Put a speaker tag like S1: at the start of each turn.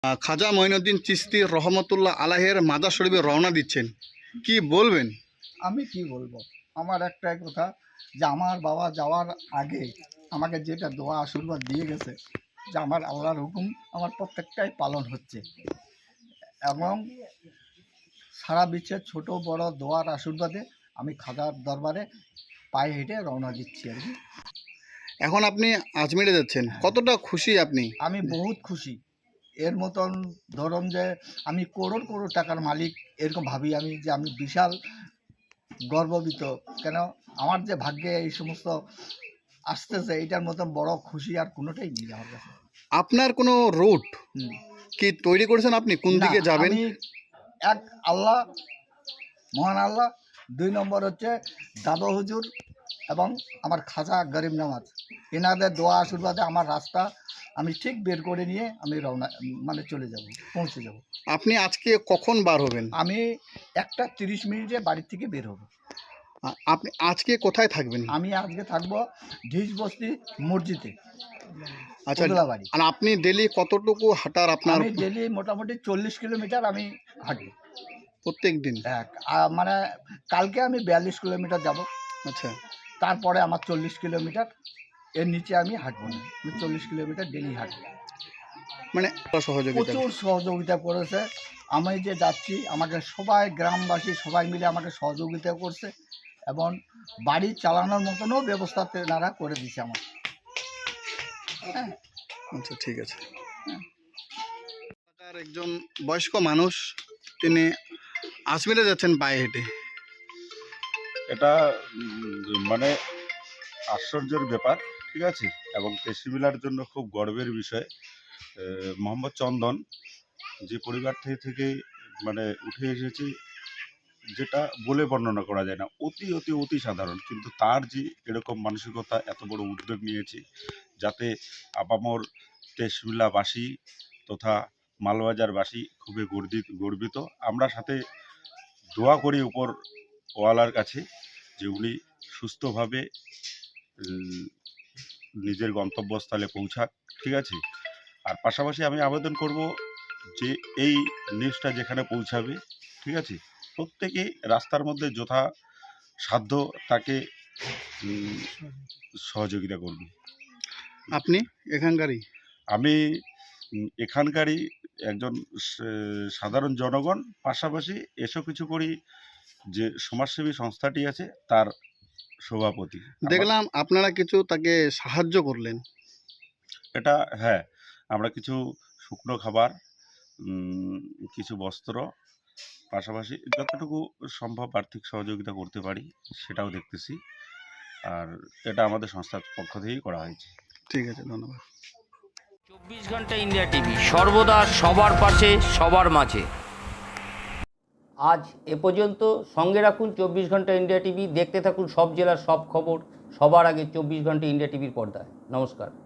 S1: খাজা মঈনুদ্দিন চিশতি রহমতুল্লাহ আলাইহির মাজার শরীফে রওনা দিচ্ছেন, কি বলবেন?
S2: আমি কি বলবো, আমার একটাই কথা যে আমার বাবা যাওয়ার আগে আমাকে যেটা দোয়া আশীর্বাদ দিয়ে গেছে যে আমার আল্লাহর হুকুম আমার প্রত্যেকটাই পালন হচ্ছে, এবং সারা বিশ্বের ছোট বড় দোয়ার আশীর্বাদে আমি খাজার দরবারে পায়ে হেঁটে রওনা দিচ্ছি আর কি।
S1: এখন আপনি আজমিরে যাচ্ছেন, কতটা খুশি আপনি?
S2: আমি বহুত খুশি। এর মতন ধরুন যে আমি করোড় করোড় টাকার মালিক এরকম ভাবি আমি, যে আমি বিশাল গর্বিত। কেন আমার যে ভাগ্যে এই সমস্ত আসতেছে, এটার মতন বড় খুশি আর কোনোটাই নেই আমার কাছে।
S1: আপনার কোনো রুট কি তৈরি করেছেন? আপনি কোন
S2: না,
S1: দিকে যাবেন?
S2: আমি এক আল্লাহ, মহান আল্লাহ, ২ নম্বর হচ্ছে দাদা হুজুর এবং আমার খাজা গরিব নামাজ, এনাদের দোয়া আশীর্বাদে আমার রাস্তা আমি ঠিক বের করে নিয়ে আমি রওনা মানে চলে যাব, পৌঁছে যাব।
S1: আপনি আজকে কখন বার হবেন?
S2: আমি 1:30 মিনিটে বাড়ির থেকে বের হব।
S1: আপনি আজকে কোথায় থাকবেন?
S2: আমি আজকে থাকবো ঢিসবস্তি মসজিদে।
S1: আচ্ছা,
S2: ওদলাবাড়ি।
S1: আর আপনি ডেলি কতটুকু হাঁটার আপনার?
S2: আমি ডেলি মোটামুটি 40 কিলোমিটার আমি হাঁটি
S1: প্রত্যেক দিন?
S2: মানে কালকে আমি 42 কিলোমিটার যাব।
S1: আচ্ছা,
S2: তারপরে আমার 40 কিলোমিটার, এর নিচে আমি হাঁটবো না। আমি 40 কিলোমিটার ডেলি হাঁটবো।
S1: মানে সহযোগিতা?
S2: প্রচুর সহযোগিতা করেছে। আমি যে যাচ্ছি আমাকে সবাই, গ্রামবাসী সবাই মিলে আমাকে সহযোগিতা করছে, এবং বাড়ি চালানোর মতনও ব্যবস্থা তেনারা করে দিচ্ছে আমার। হ্যাঁ,
S1: আচ্ছা, ঠিক আছে। একজন বয়স্ক মানুষ, তিনি আজমিরে যাচ্ছেন পায়ে হেঁটে।
S3: এটা মানে আশ্চর্যের ব্যাপার, ঠিক আছে, এবং তেসিবিলার জন্য খুব গর্বের বিষয়। মোহাম্মদ চন্দন যে পরিবার থেকে মানে উঠে এসেছে, যেটা বলে বর্ণনা করা যায় না, অতি অতি অতি সাধারণ, কিন্তু তার যে এরকম মানসিকতা, এত বড় উদ্যোগ নিয়েছে যাতে আপামর তেসবিলাবাসী তথা মালবাজারবাসী খুবই গর্বিত। আমরা সাথে দোয়া করি উপর ওয়ালার কাছে যে উনি সুস্থভাবে নিজের গন্তব্যস্থলে পৌঁছাক, ঠিক আছে। আর পাশাপাশি আমি আবেদন করব যে এই নিউজটা যেখানে পৌঁছাবে, ঠিক আছে, প্রত্যেকেই রাস্তার মধ্যে যথা সাধ্য তাকে সহযোগিতা করবে।
S1: আপনি এখানকারই?
S3: আমি এখানকারই একজন সাধারণ জনগণ, পাশাপাশি এসব কিছু করি যে সমাজসেবী সংস্থাটি আছে তার সভাপতি।
S1: দেখলাম আপনারা কিছু তাকে সাহায্য করলেন।
S3: এটা হ্যাঁ, আমরা কিছু শুকনো খাবার, কিছু বস্ত্র, পাশাপাশি যতটুকু সম্ভব আর্থিক সহযোগিতা করতে পারি সেটাও দেখতেছি, আর এটা আমাদের সংস্থার পক্ষ থেকেই করা হয়েছে।
S1: ঠিক আছে, ধন্যবাদ।
S4: 24 ঘন্টা ইন্ডিয়া টিভি, সর্বদা সবার পাশে, সবার মাঝে। আজ এ পর্যন্ত। সঙ্গে রাখুন 24 ঘন্টা ইন্ডিয়া টিভি। দেখতে থাকুন সব জেলার সব খবর সবার আগে 24 ঘন্টা ইন্ডিয়া টিভির পর্দায়। নমস্কার।